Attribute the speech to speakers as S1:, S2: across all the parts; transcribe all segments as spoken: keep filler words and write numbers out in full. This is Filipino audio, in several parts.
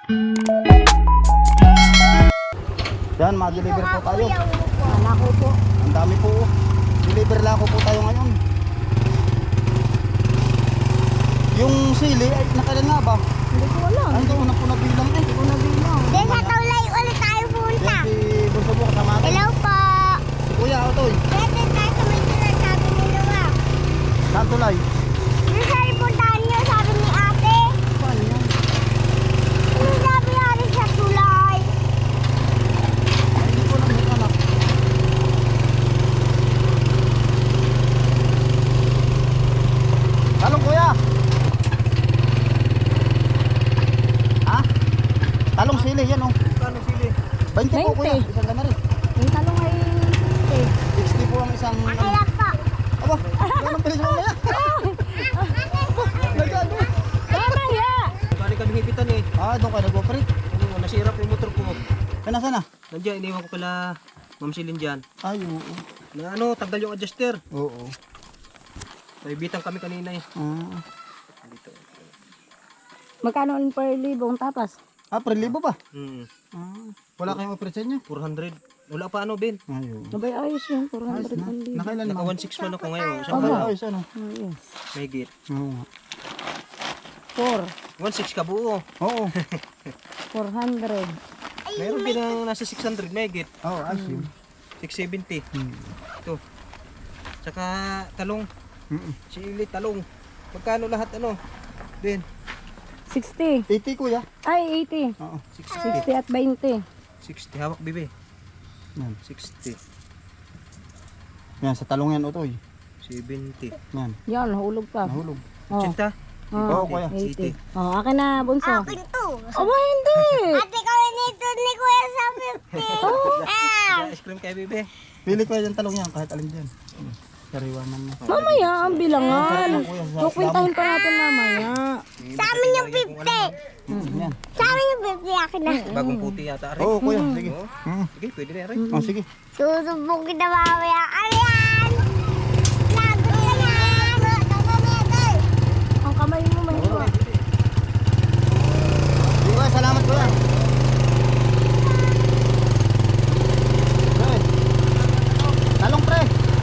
S1: Yan, ma-deliver po tayo.
S2: Malako po.
S1: Ang dami po. Deliver lang ko po tayo ngayon. Yung sili, ay nakailan nga ba?
S2: Hindi ko alam.
S1: Ay, hindi ko na po nabilang eh.
S2: Hindi ko nabilang.
S3: Then sa tulay ulit tayo punta.
S1: Yan, si Bunso po kasama natin.
S3: Hello po.
S1: Si Kuya, Otoy.
S3: Pwede tayo sa may tulay, sabi ni Lua.
S1: Saan tulay?
S3: Yung sa puntahan niyo, sabi ni ate.
S2: Paano yan?
S3: Yung sabi natin sa tulay.
S1: Ay, hindi ko na may anak. Talong Kuya. Ha? Talong sili, yan oh.
S4: Kano sili?
S1: twenty po Kuya.
S2: twenty.
S1: Isang ganari.
S2: Yung talong ay eh.
S1: sixty po ang isang...
S3: Ayan po.
S1: Aba, ganun pilis mo na yan. Nagano?
S2: Tama ya!
S4: Balik kami hipitan eh.
S1: Ah, doon ka nag-operate.
S4: Ano, nasira po yung motor ko.
S1: Ay, nasa na?
S4: Nandiyan, iniwan ko pala Ma'am Silin dyan.
S1: Ay, oo.
S4: Na ano, tanggal yung adjuster.
S1: Oo.
S4: Naibitan kami kanina eh.
S1: Ah,
S4: Dito.
S2: Magkano ang per libong tapas?
S1: ah pre-libo ba?
S4: Hmm.
S1: Ah, wala kayong operate sa inyo?
S4: four hundred. Wala pa ano, Ben?
S1: Ay, oo.
S2: Sabay ayos yun. four
S1: Ayos
S2: hundred
S1: na.
S2: ang libo.
S1: Nakailan
S4: Naka
S1: naman?
S4: one six man ako ngayon. Isang
S1: Ay,
S4: araw.
S1: ayos ano?
S2: Ayun.
S4: May git.
S1: Oo. nga.
S2: four.
S4: one six ka buo.
S1: Oo.
S2: four hundred.
S4: Meron din ang nasa six hundred may git.
S1: Oo, ayos yun.
S4: six seventy.
S1: Hmm.
S4: Ito. Tsaka talong.
S1: Mm-mm.
S4: Sili, talong. Magkano lahat ano? Ben?
S2: sixty.
S1: eighty Kuya.
S2: Ay, eighty.
S1: Oo.
S4: sixty.
S2: sixty at twenty.
S4: sixty. Hawak, bibi.
S1: Yan.
S4: sixty.
S1: Yan, sa talong yan, Otoy.
S4: seventy.
S1: Yan,
S2: Yan, nahulog pa.
S1: nahulog.
S2: Oh.
S4: eighty.
S1: Oo,
S2: Oh,
S1: Kuya.
S2: eighty. Oh, akin na, bunso.
S3: Akin to.
S2: Aba, hindi.
S3: Ate kami nito ni Kuya sa fifty. Ah.
S4: Ice cream kay bibi.
S1: Pili ko yung talong yan, kahit alin dyan. Sariwa man na.
S2: Mamaya, ang bilangan.
S1: Sarap ng Kuya, sa
S2: Kukwintahin pa natin mamaya.
S3: Sa amin yung fifty.
S1: Mm, Yan.
S3: Sa amin yung fifty akin na.
S4: Bagong puti yata rin.
S1: Oo, Kuya, sige.
S4: Oo.
S1: Mm.
S4: Sige, pwede na rin.
S1: Oh, sige.
S3: Susubok kita mamaya. Ayan. Lagot ka yan.
S2: Ang kamay mo may iwa.
S1: Sige, Kuya, salamat Kuya. Pre. Talong pre.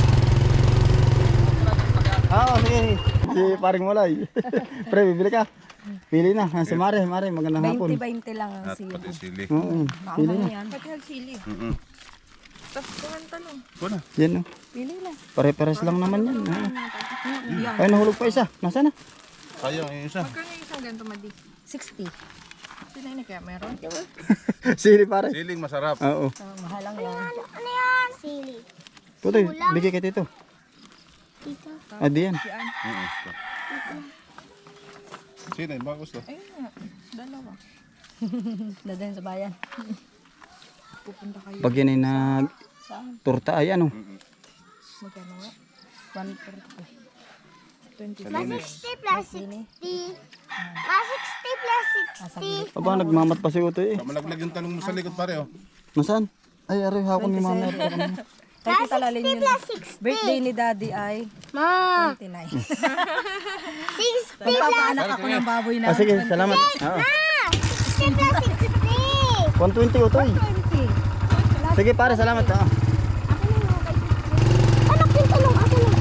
S1: Oo, sige. Si paring Mulay. Pre, bibili ka. Pili na. Ah, Si Mare, Mare, magandang hapon.
S2: twenty twenty lang ang sili.
S5: Sili.
S1: Oo, pili na.
S2: Yan. Pati sili.
S5: Mm-mm.
S2: talong.
S5: Kuna.
S1: Yan oh.
S2: Pili lang.
S1: Pare-pares lang naman yan. Ah.
S2: Yan.
S1: Ay, nahulog pa isa. Nasaan na?
S5: Sayang yung isa.
S2: sixty.
S1: Sili pare.
S5: Siling masarap.
S1: Oo.
S2: Oh, mahal lang yan.
S3: Ano yan? Sili.
S1: Putoy, bigay kay Tito.
S3: Dito.
S1: Ah, di yan.
S5: Mm-mm. Sili, baka gusto.
S2: Dadaan sa bayan.
S1: Pag yan ay nag turta ay ano.
S2: Magkano nga? one forty.
S3: Plus sixty plus sixty. Plus sixty plus sixty.
S1: Aba, nagmamat pa si Utoy eh.
S5: Malaglag yung tanong mo sa likod pare oh.
S1: Nasaan? Ay, aray, hako ni Mama.
S2: Kaya kita lalin yun. Birthday ni Daddy ay
S3: Ma.
S2: twenty-nine.
S3: sixty
S2: Magpapaanak ako ng baboy na
S1: Ah, sige, salamat. Oo.
S3: sixty plus sixty.
S1: one twenty Utoy.
S2: twenty.
S1: Sige pare, salamat. Oo.
S3: Anak yung talong. Akin na.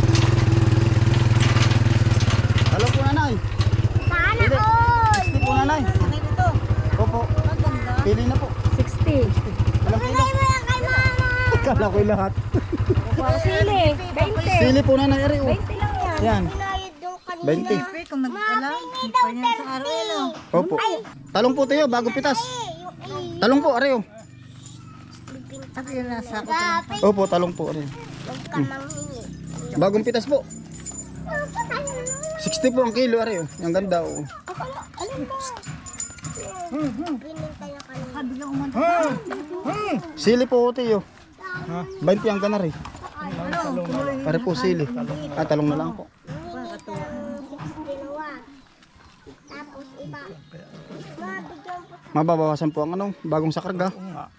S1: Hello po nanay.
S3: Sana all.
S1: Sige po nanay. Opo. Pili na po.
S2: sixty.
S1: Ilang kilo?
S3: Bigay mo yan kay mama.
S1: Kala ko'y lahat.
S2: Wow, sili. twenty.
S1: Sili po nanay, aray. Oh.
S2: twenty lang yan.
S1: Yan,
S3: Binayad yung kanina.
S1: twenty.
S2: Kung nag-alam,
S3: Hindi daw thirty.
S1: Opo. Talong po tayo, bagong pitas.
S3: Yung A.
S1: Talong po, aray. Oh.
S2: Sabi yun nasa ako.
S3: Grabe.
S1: Opo, talong po, aray.
S3: Huwag ka manghingi.
S1: Bagong pitas po.
S3: Ano pa tayo na?
S1: sixty po ang kilo, aray. Oh. Ang ganda, oh.
S3: Alam mo. Binintay na kanina.
S1: Sili po, tayo. twenty ang ganar eh. Pare po sili. Ah, talong na lang po.
S3: Dalawa. Tapos iba. Mabigyan po.
S1: Mababawasan po ang ano, bagong sakarga.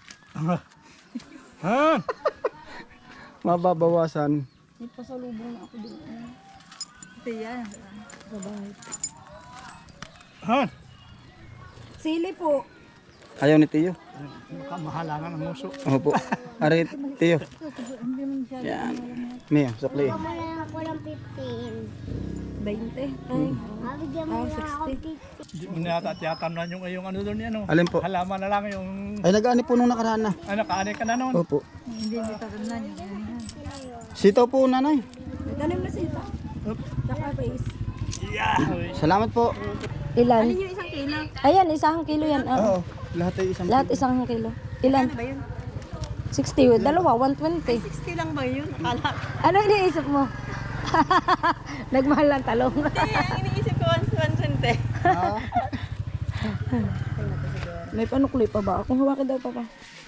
S1: Mababawasan.
S2: May pasalubong na ako dito. Ito yan. Sa bahay. Sili po.
S1: Ayaw ni Tiyo.
S4: Kamahalangan ng muso.
S1: Opo. Ari, Tiyo. Yan. Mio, sukli.
S3: Baka mo na lang ako ng fifteen.
S2: twenty. Ay.
S3: Mabigyan mo
S2: Ah,
S3: na ako
S2: sixty.
S3: fifteen.
S4: Hindi mo na tiyatanan yung, yung ano doon yan. Oh.
S1: Alin po?
S4: Halaman na lang yung
S1: Ay, nag-ani po nung nakaraan na.
S4: ano, kaanay ka na noon.
S1: Opo.
S2: Hindi, hindi tatandaan yun.
S1: Sitaw po, nanay.
S2: Tanim na sila. Saka base.
S1: Salamat po.
S2: Ilan? Alin yung isang kilo? Ayan, isang kilo yan. Ah.
S1: Oo. Lahat ay isang
S2: Lahat isang kilo. Ilan? Ano ba yun? sixty. Dalawa, one twenty.
S6: sixty lang ba yun? Akala ko.
S2: Ano iniisip mo? Nagmahal ng talong.
S6: Hindi, ang iniisip ko one twenty.
S1: Ah.
S2: May panukli pa ba? Kung hawakin daw pa pa.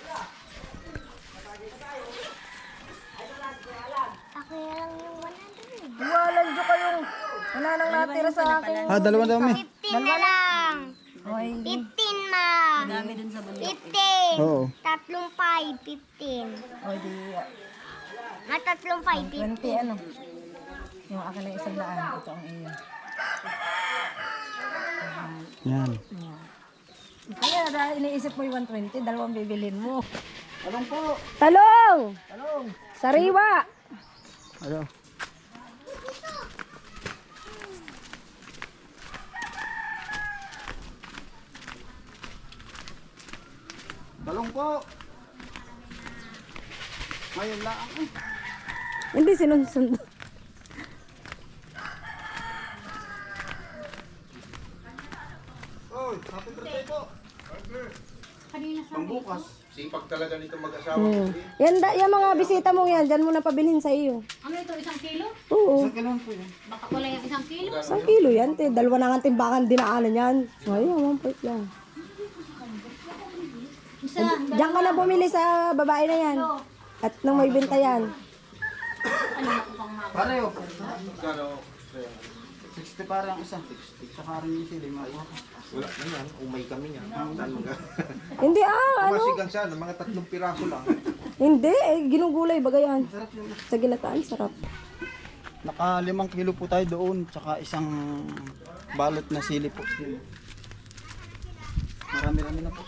S3: Ako na lang yung one hundred.
S2: Walang jo kayong. Wala nang natira sa akin.
S1: Ah, dalawa daw, mi.
S3: fifteen na lang.
S2: Okay.
S3: fifteen ma.
S6: Dami dun sa bundok.
S3: fifteen.
S1: Oo.
S3: Tatlong five, fifteen.
S2: O di,
S3: Mga tatlong five, fifteen.
S2: twenty ano. Yung akin na isang daan. Ito ang iyo.
S1: Yan.
S2: Kaya dahil iniisip mo yung one twenty, dalawang bibilin mo.
S1: Talong po.
S2: Talong! Talong! Sariwa!
S1: Ano? Talong po. Ngayon lang. eh.
S2: Hindi sinusundo.
S1: Oy, happy birthday po. Pangbukas.
S5: Sipag talaga nito mag-asawa.
S2: Hmm. Yan, da, yan mga bisita mo yan, dyan mo na pabilhin sa iyo.
S7: Ano ito, isang kilo?
S2: Oo.
S1: Isang kailangan po yan.
S7: Baka kulang yung isang kilo.
S2: Isang kilo yan, te. Dalawa na nga timbangan dinaanan yan. Ayun, one point lang.
S7: Isa,
S2: Diyan ka na bumili sa babae na yan. At nang may benta yan.
S1: Pareho. sixty para ang isa. Saka rin yung sili.
S8: Wala na yan, umay kami yan. Saan mga?
S2: Hindi ah, ano?
S8: Masigang sana, mga tatlong piraso lang.
S2: Hindi, eh, ginugulay baga yan. Sa ginataan, sarap.
S1: Naka limang kilo po tayo doon. Tsaka isang balot na sili po. Marami-rami na po.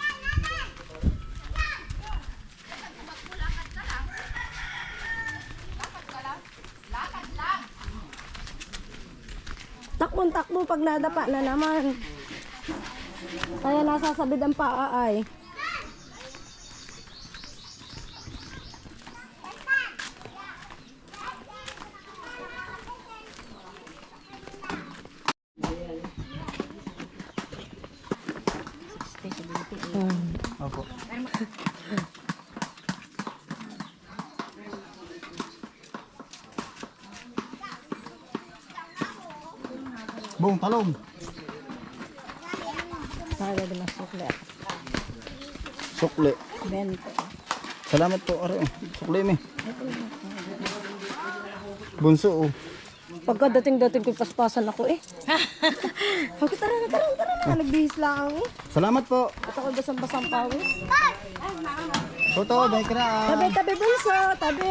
S2: Takbon-takbo pag nadapa na naman. Kaya nasasabid ang paa ay.
S1: Opo. Bong, talong.
S2: Sabi din ang sukle.
S1: Sukli.
S2: Bento.
S1: Salamat po. Ari, oh. Sukli mi. Bunso, oh.
S2: Pagkadating-dating ko paspasan ako eh. Sabi, tara na, tara na, tara na. Nagbihis lang ako eh.
S1: Salamat po.
S2: At ako basang-basang pawis.
S1: Toto, may kiraan.
S2: Tabi, tabi bunso, tabi.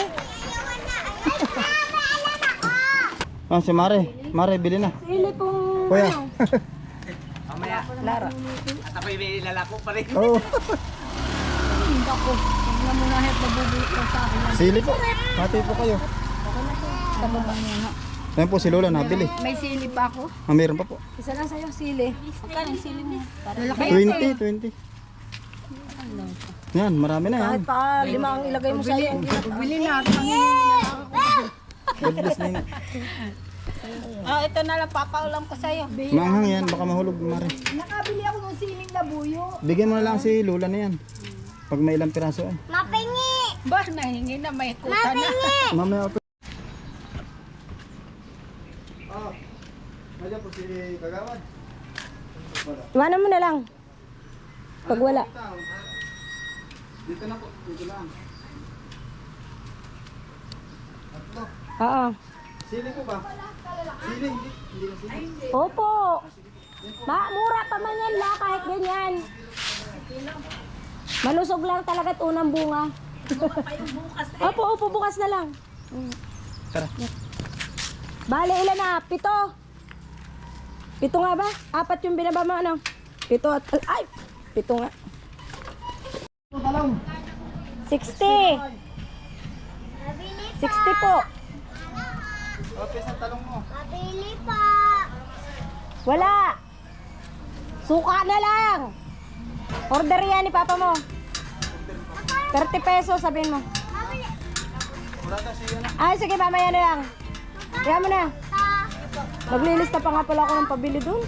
S1: Ah, si Mare. Mare, bili na.
S2: Sili pong
S1: Kuya.
S4: Mamaya.
S2: Lara.
S4: At ako'y may lalako pa rin.
S1: Oo.
S2: Hindi ako. Huwag na muna hep mabubulit ko sa akin.
S1: Sili po. Hati po kayo.
S2: Sa baba.
S1: Ayan po si Lola, nabili.
S2: May sili pa ako.
S1: Ah, meron pa po.
S2: Isa lang sa'yo, sili.
S7: Magkano yung sili mo?
S1: twenty, twenty. Yan, marami na yan.
S2: Kahit pa lima ang ilagay mo sa'yo. Bili na.
S1: God bless na yun.
S7: Oh, ito na lang papaulam ko sa'yo.
S1: Maanghang yan, baka mahulog, Mare.
S2: Nakabili ako ng siling na buyo.
S1: Bigyan mo na lang si Lola na yan. Pag may ilang piraso ay.
S3: Mapingi!
S7: Ba, nahingi na may kuta na.
S3: Mapingi!
S1: Mamaya ako. Ah, nandiyan po si Kagawad.
S2: Iwanan mo na lang. Pag wala.
S1: Dito na po, dito lang. Atlo.
S2: Oo.
S1: Sili po ba? Sili, hindi, hindi na sili.
S2: Opo. Ma, mura pa man yan la, kahit ganyan. Malusog lang talaga at unang bunga. Opo, opo, bukas na lang.
S1: Tara.
S2: Bale, ilan na? Pito. Pito nga ba? Apat yung binaba mo, ano? Pito at, ay, pito nga.
S1: Talong.
S2: sixty.
S3: Mabili
S2: sixty po.
S1: Okay, sa talong mo.
S3: Mabili pa.
S2: Wala. Suka na lang. Order yan ni papa mo. thirty pesos, sabihin mo.
S1: Wala kasi yun.
S2: Ay, sige, mamaya na lang. Kaya mo na. Maglilista pa nga pala ako ng pabili dun.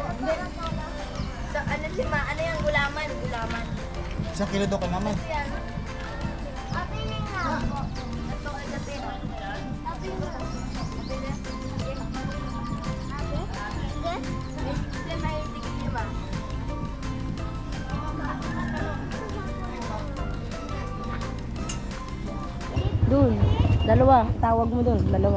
S6: Sa ano si Ma, ano yung gulaman? Gulaman.
S1: Isang kilo daw kay mama.
S3: Mabili nga ako.
S6: Ito ay gatin.
S3: Mabili nga.
S6: Kasi may tingin niyo ba?
S2: Dun. Dalawa. Tawag mo dun. Dalawa.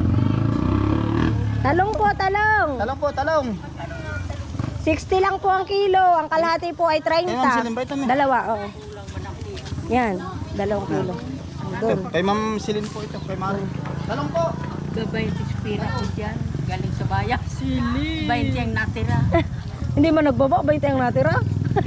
S2: Talong po, talong.
S1: Talong po, talong.
S2: sixty lang po ang kilo. Ang kalahati po ay thirty.
S1: Eh, ma'am, silin ba ito, ma'am?
S2: Dalawa, oo. Yan. Dalawang kilo. Doon.
S1: Kay Ma'am Silin po ito, kay Mari. Talong po.
S7: Gabay tispira ko dyan. Galing sa bayan. Sili. twenty ang natira.
S2: Hindi man nagbaba, bayte ang natira.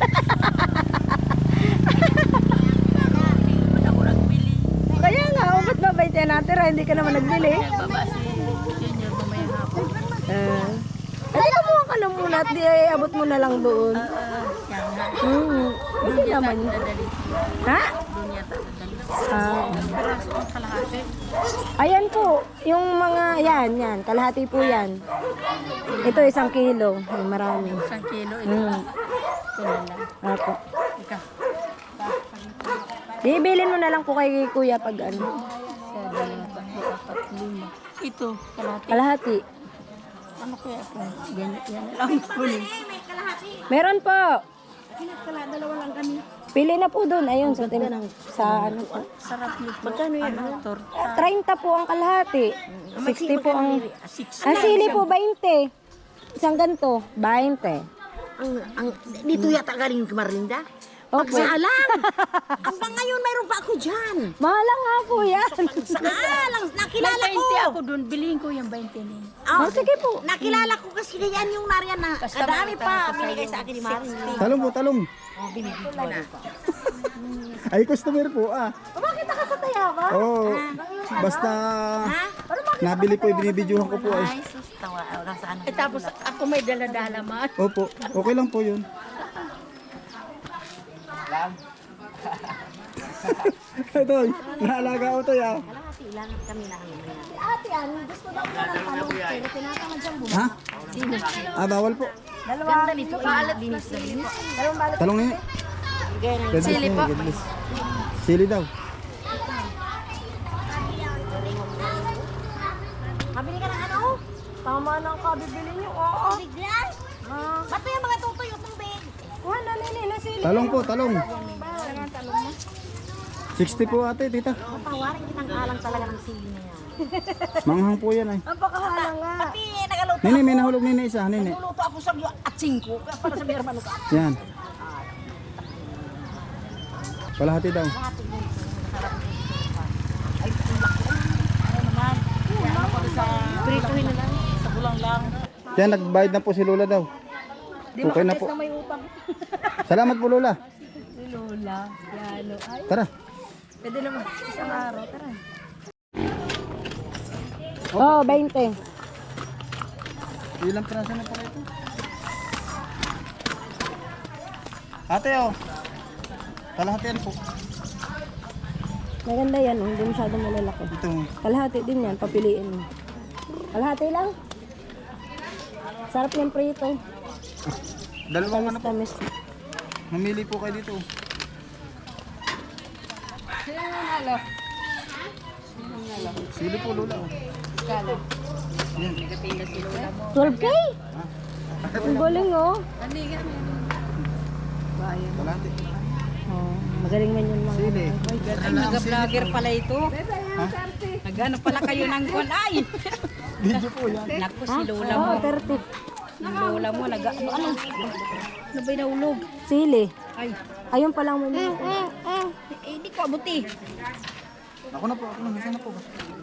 S7: Ako nagbili.
S2: Kaya nga, oh, ba't ba bayte ang natira? Hindi ka naman nagbili.
S7: Baba si Junior mamayang hapon.
S2: Uh, ay, kumuha ka na muna at di ay abot mo na lang doon.
S7: Siya nga.
S2: Hmm. Hindi
S7: Doon yata
S2: naman.
S7: dadali.
S2: Ha?
S7: Doon yata dadali.
S2: Ah.
S7: Peraso ang kalahati.
S2: Ayan po, yung mga, yan, yan, kalahati po yan. Ito isang kilo, ay, marami.
S7: Isang kilo. Ito
S2: Hmm.
S7: lang. Ito na lang.
S2: Apo.
S7: Ika.
S2: Ibilin mo na lang po kay kuya pag ano.
S7: Sa dalawa, tatlo, apat, lima. Ito, kalahati.
S2: Kalahati.
S7: Ano kaya ito? Yan, yan lang kunin.
S2: Meron po. Pili na po doon. Ayun, sa, tin- sa ano po.
S7: Sarap nito. Magkano yan? Ano, torta.
S2: thirty po ang kalahati. sixty po ang...
S7: Six.
S2: Ang sili po, twenty. Isang ganito, twenty.
S9: Ang, ang, dito yata galing Marinda.
S2: Opo.
S9: Pagsaalang! Hanggang ngayon mayroon pa ako dyan.
S2: Mahal nga po yan.
S9: Saalang! Nakilala
S7: May
S9: ko!
S7: twenty ako doon. Bilihin ko yung twenty niya.
S9: Oh,
S2: Oh, sige po.
S9: nakilala ko kasi yan yung nariyan na kadami pa binigay sa akin ni Marin.
S1: Talong po, talong.
S9: Oh, binigay ko na.
S1: Ay, customer po ah.
S2: Makita ka sa tayaba?
S1: Oo. Basta nabili po, ibinibidyohan ko po ay.
S9: Ay, sus, tawa. Oh, nasa ano.
S7: Eh tapos ako may dala-dala man.
S1: Opo, okay lang po yun. Ito, naalaga ko ito ya.
S9: Kalahati lang kami na ano.
S2: Ate, ano, gusto daw mo ng talong. Pero tinatamad siyang bumili.
S1: Ha? Ah, bawal po.
S2: Dalawa.
S9: Ganda nito. Balat dinis na dinis.
S2: Dalawang balot.
S1: Talong nini. Sili po. Sili daw.
S2: Mabili ka ng ano? Tama na ang kabibili niyo. Oo.
S3: Bigla?
S2: Ah.
S9: Ba't pa yung mga tutoy yung tubig?
S2: Kuha na nini na sili.
S1: Talong po, talong. sixty po ate, tita.
S9: Tawarin kitang alang talaga ng sili na yan.
S1: Manghang po yan ay.
S2: Ang pakahala nga.
S9: Pati nagaluto.
S1: Nini, may nahulog nini isa, nini.
S9: Nagluto ako sa at singko. Kaya para sa mi hermano ka.
S1: Yan. Kalahati daw.
S7: Prituhin na lang. Sa bulang lang.
S1: Yan, nagbayad na po si Lola daw. Okay na po.
S2: May utang.
S1: Salamat po Lola.
S2: Si Lola. Yalo. Ay,
S1: Tara.
S2: pwede naman. Isang araw. Tara. Oh, twenty.
S1: Ilang piraso na pala ito? Ate oh. Kalahati yan po.
S2: Maganda yan, oh. Hindi masyadong malalaki.
S1: Ito.
S2: Kalahati din yan, papiliin mo. Kalahati lang. Sarap yung prito.
S1: Dalawang ano po.
S2: Tamis.
S1: Mamili po kayo dito. Sili po Lola oh. Yan.
S2: twelve K? Ang galing, oh.
S1: Kalahati.
S2: Oh, magaling man yun mga.
S1: Sili.
S7: Ay, nag-vlogger pala ito. Nagano pala kayo ng kwan. Ay!
S1: Video po yan.
S7: Naku, si Lola mo.
S2: Oh, thirty.
S7: Si Lola mo, nag ano? Ano? Ano ba'y nahulog?
S2: Sili.
S7: Ay,
S2: Ayun pa lang mo.
S7: eh, di ko abuti.
S1: Ako na po, ako na. Nasaan na po ba?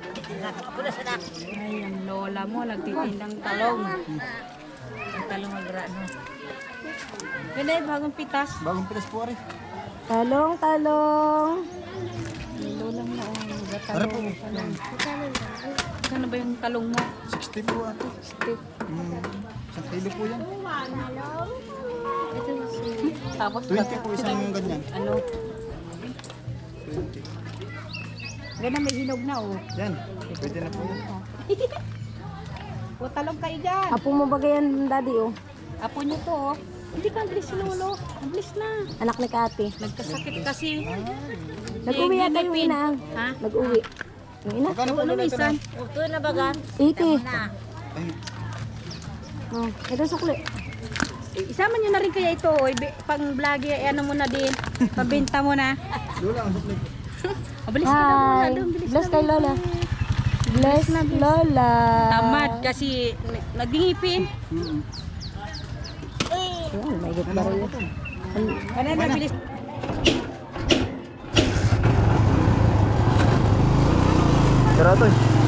S7: Ay, ang Lola mo, nagtitindang talong. Ang talong agrano. Ganda yung bagong pitas.
S1: Bagong pitas po ari.
S2: Talong, talong.
S7: Lulang na ang
S1: Ari po.
S7: Ano ba yung talong mo?
S1: sixty po ate.
S7: Stick.
S1: Hmm. Isang kilo po yan.
S7: Ito si... Tapos
S1: twenty po isang ganyan.
S7: ano?
S1: twenty.
S7: Ganda may hinog na oh.
S1: Yan. Pwede na po yan.
S7: O talong kayo dyan.
S2: Apo mo ba yan, daddy, oh?
S7: Apo niyo to oh. Hindi ka bilis si Lolo. Ang bilis na.
S2: Anak ni Kati.
S7: Nagkasakit kasi.
S2: Nag-uwi yata yung ina.
S7: Ha?
S2: Nag-uwi. Yung ina?
S1: Magkano po
S7: Ano
S1: ulit ito na?
S7: minsan?
S9: Ito na baga.
S2: eighty.
S1: Ay,
S2: Oh, ito sukli.
S7: Eh, Isama niyo na rin kaya ito. Oh. Ibi- Pang vlog, eh, ano mo na din. Pabenta mo na.
S1: Lola, ang supli.
S7: Mabilis ka na muna.
S2: Hi.
S7: Doon, bilis
S2: Bless
S7: na,
S2: kay
S7: bilis.
S2: Lola. Bless Lola.
S7: Tamad kasi n- nagingipin.
S2: Ayan, may git ba rin ito?
S7: Ano na, bilis.
S1: Tara to.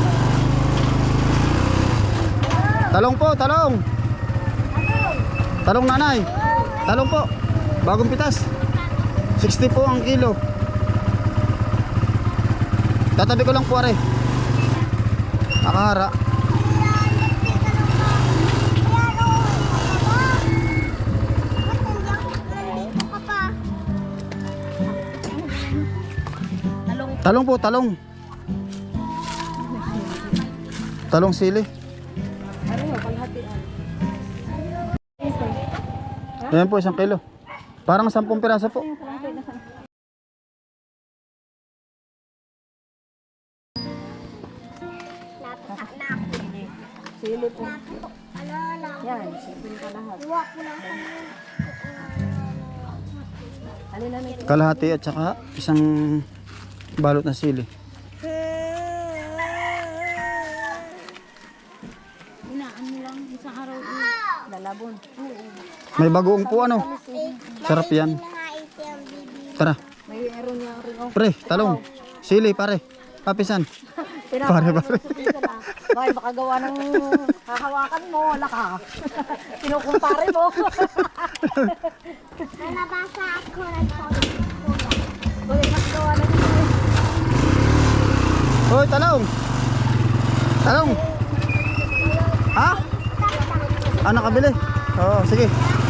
S1: Talong po, talong. Talong nanay. Talong po. Bagong pitas. sixty po ang kilo. Tatabi ko lang po are. Nakahara. Talong po, talong. Talong sili. Ayan po, isang kilo. Parang sampung piraso po.
S2: Sili po. Yan, sili ka lahat. Alin na nito?
S1: Kalahati at saka isang balot na sili.
S7: Inaan mo lang isang araw.
S2: Lalabon.
S1: May bagoong po ano. Sarap yan. Tara.
S2: May meron niya rin. Oh.
S1: Pre, talong. Sili pare. Papisan. Pare, pare.
S2: Bakit baka gawa ng hahawakan mo, wala ka. Kinukumpare mo.
S3: Nabasa ako ng
S2: Uy, nakagawa na dito.
S1: Hoy, talong. Talong. Ha? Ah, nakabili. Oo, sige.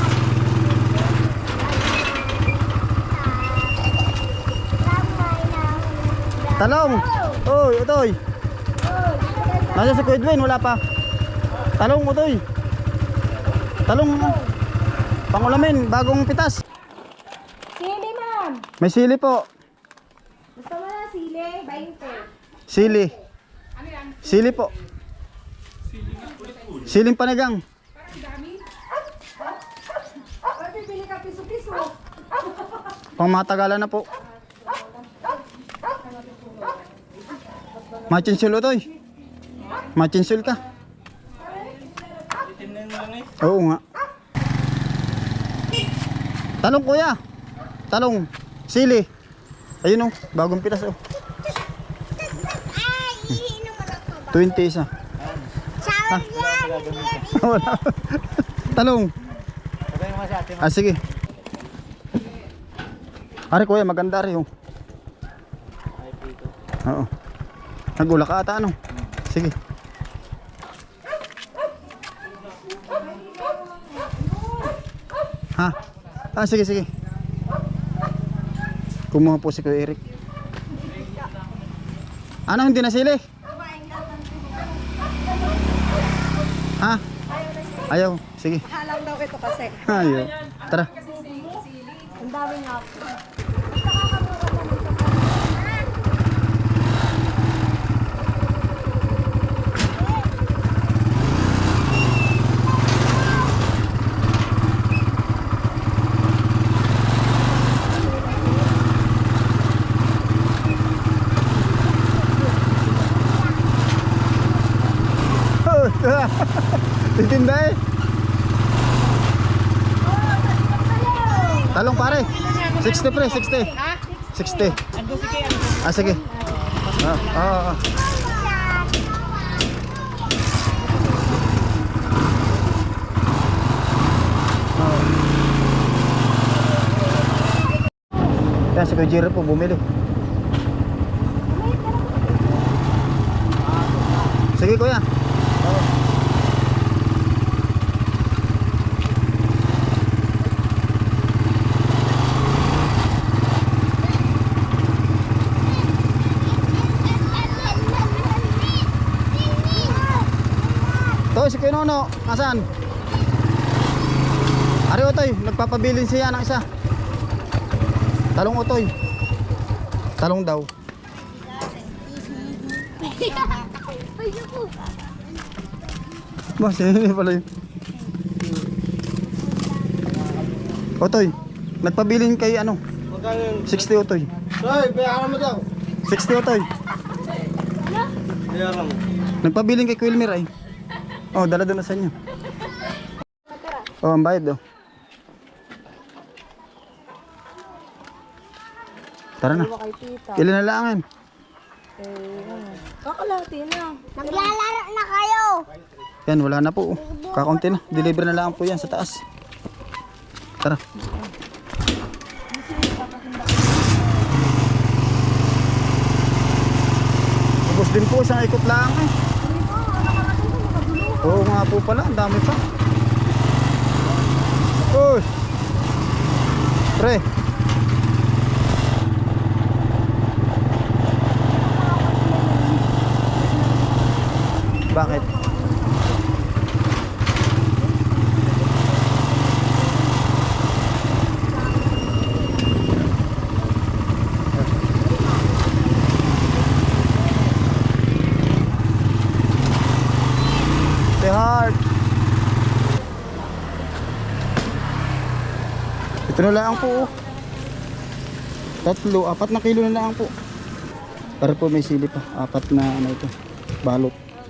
S1: Talong. Oy, utoy. Nasa si Kuya Edwin, wala pa. Talong, utoy. Talong. Pangulamin, bagong pitas.
S2: Sili, ma'am.
S1: May sili po.
S2: Gusto mo na sili? twenty.
S1: Sili. Sili po. Siling panigang.
S2: Bibili ka piso-piso.
S1: Pangmatagalan na po. Machinsul utoy. Machinsul ka. Oo nga. Talong kuya. Talong. Sili. Ayun oh, bagong pitas oh. twenty isa. Ha? Wala. Talong. Ah, sige. Ari kuya, maganda rin oh. Oo. Nagulak ka ata ano? Sige. Ha? Ah, sige, sige. Kumuha po si Kuya Eric. Ano, hindi na sili? Ha? Ayaw. Sige.
S2: Halang daw ito kasi.
S1: Ayaw. Tara.
S2: Ang dami nga.
S1: Titinda eh. Talong pare. sixty pre, sixty. sixty. Ah, sige. Ah, ah, ah. Ah. Yan, si Kuya Jerry po bumili. Sige kuya. Oo. Toy, si Kuya Nono, nasaan? Ari Otoy, nagpapabilin siya ng isa. Talong Otoy. Talong daw. Ba, sino pala yun? Otoy, nagpabilin kay ano? sixty Otoy.
S4: Hoy, bayaran mo daw.
S1: sixty Otoy.
S4: Bayaran mo.
S1: Nagpabilin kay Quilmer ay. Oh, dala doon na sa inyo. Oh, ang bayad oh. Tara na.
S2: Kay tita.
S1: Ilan na laangan?
S2: Kakalahati na.
S3: Maglalaro na kayo.
S1: Yan, wala na po. Oh. Kakaunti na. Deliver na lang po yan sa taas. Tara. Ubus din po, isang ikot lang eh. Oo nga po pala, ang dami pa. Uy! Pre! Bakit? The heart. Ito na lang po. Oh. Tatlo, apat na kilo na lang po. Para po may sili pa. Apat na ano ito. Balot.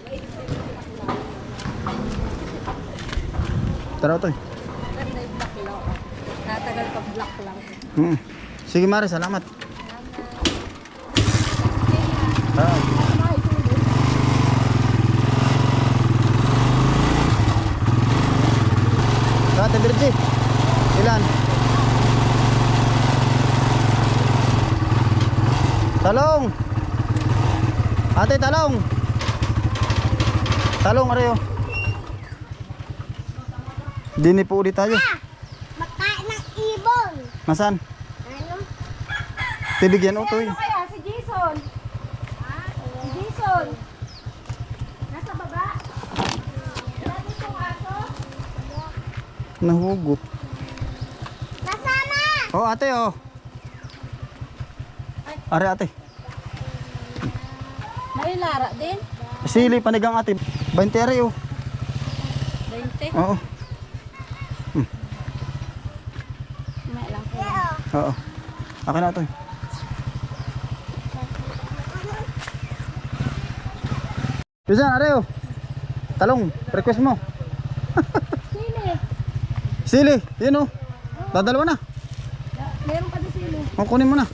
S1: Tara ito eh.
S2: Natagal pa black lang.
S1: Hmm. Sige Mare, salamat. Ah. Ate Virgie, ilan? Talong. Ate, talong. Talong, Areo. Dini po ulit tayo.
S3: Makain ng ibon.
S1: Nasaan?
S3: Ano?
S1: Tibigyan utoy.
S2: Kaya si Jason. Si Jason. Nasa baba. Lagi itong aso.
S1: Nahugot.
S3: Nasana?
S1: Oh, ate, oh. Are, ate.
S7: May lara din.
S1: Sili, panigang ate. twenty are, oh.
S7: twenty.
S1: Oo.
S7: May lang po.
S1: Oo. Akin na ito eh. Pisan, Areo. Talong, request mo.
S2: Sili.
S1: Sili, yun oh. Dadalawa na.
S2: Meron pa din sili.
S1: O, kunin mo na.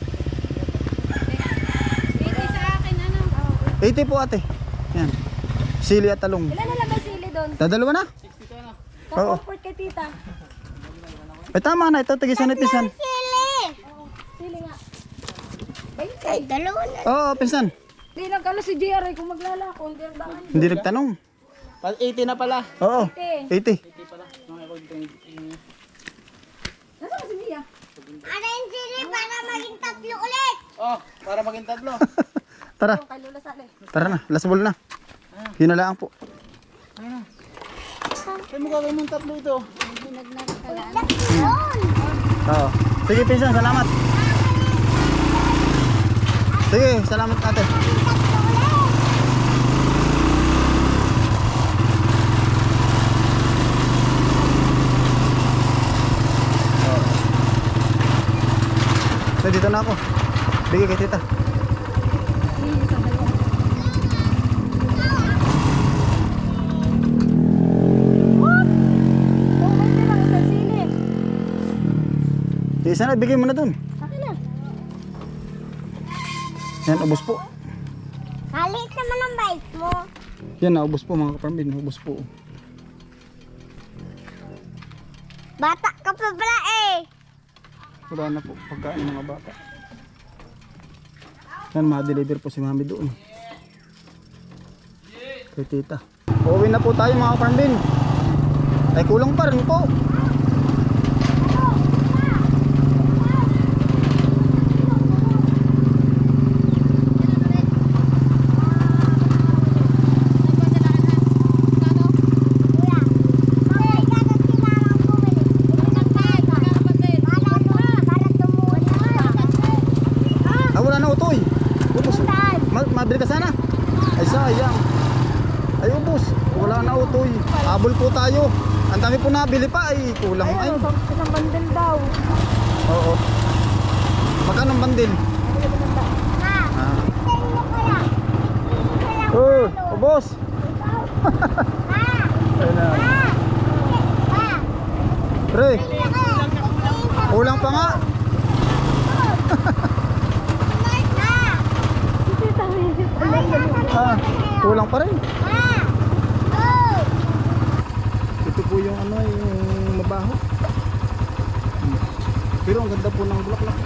S7: Ito sa akin, ano?
S1: eighty po ate. Yan. Sili at talong.
S2: Ilan na lang may sili doon?
S1: Dadalawa na. Oo.
S2: Comfort kay tita.
S1: Ay tama na, ito tigisan ni Pisan.
S3: Sili.
S2: Sili nga.
S3: Ay, dalawa na.
S1: Oo, Pisan.
S2: Hindi nagkala si J R ay kung maglalako. Hindi nagdaan.
S1: Hindi nagtanong.
S4: eighty na pala.
S1: Oo. eighty.
S2: Nasaan ba si Mia?
S3: Ano yung sili para maging tatlo ulit?
S4: Oh, para maging tatlo.
S1: Tara,
S2: Kay Lola Sale.
S1: tara na. Last ball na. Yun na lang po.
S4: Kaya mo gagawin mong tatlo ito.
S3: Yun.
S1: Oo. Sige, Pisan, salamat. Sige, salamat ate. So, dito na ako. Bigay kay tita.
S2: Oh, may lang isang sili.
S1: Isa na, bigay mo na dun.
S2: Akin na.
S1: Yan, ubos po.
S3: Kalit naman ang bike mo.
S1: Yan, naubos po mga kaparambin. Ubos po.
S3: Bata ka pa pala eh.
S1: Wala na po pagkain ng mga bata. Yan, ma-deliver po si mami doon. Kay tita. Uuwi na po tayo mga kaparmbin. Ay kulang pa rin po. Ah, wala na utoy. Ubus. Ma mabili ka sana? Ay sayang. Ay ubus. Wala na utoy. Habol po tayo. Ang dami po nabili pa ay kulang ay.
S2: Isang bandel daw.
S1: Oo. Magkano ang bandil? Ah. Oh, ubos. Ayun na. Pre. Kulang pa nga. Ah, kulang pa rin. Ito po yung ano, yung mabaho. Pero ang ganda po ng bulaklak.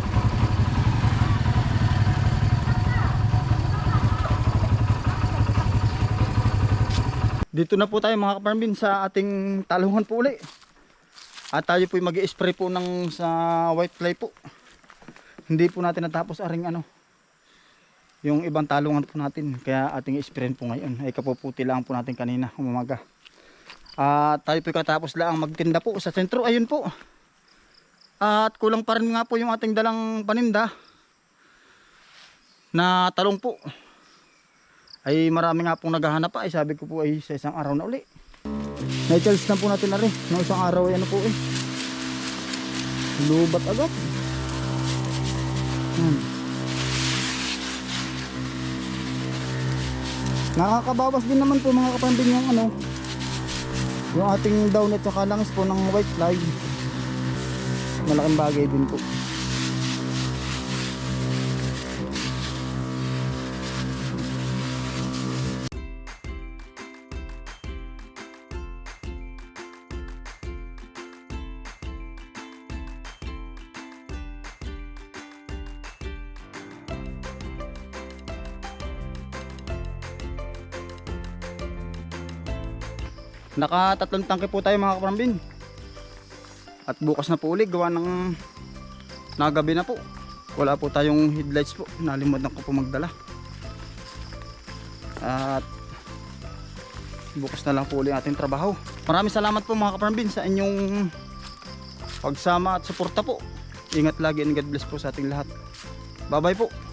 S1: Dito na po tayo mga kaparmbin sa ating talungan po uli. At tayo po mag-i-spray po ng sa white fly po. Hindi po natin natapos aring ano, yung ibang talungan po natin. Kaya ating i-spray po ngayon. Ay kapuputi lang po natin kanina umaga. At tayo po katapos lang magtinda po sa sentro. Ayun po. At kulang pa rin nga po yung ating dalang paninda na talong po. Ay marami nga pong naghahanap pa. Ay sabi ko po ay sa isang araw na uli. Na-charge na po natin na rin. No, isang araw ay ano po eh. Lubat agad. Hmm. Nakakabawas din naman po mga kapambin yung ano, yung ating down at saka langis po ng white fly. Malaking bagay din po. Nakatatlong tangke po tayo mga kaparambin. At bukas na po ulit gawa ng nagabi na po. Wala po tayong headlights po. Nalimutan ko po magdala. At bukas na lang po ulit ating trabaho. Maraming salamat po mga kaparambin sa inyong pagsama at suporta po. Ingat lagi and God bless po sa ating lahat. Bye bye po.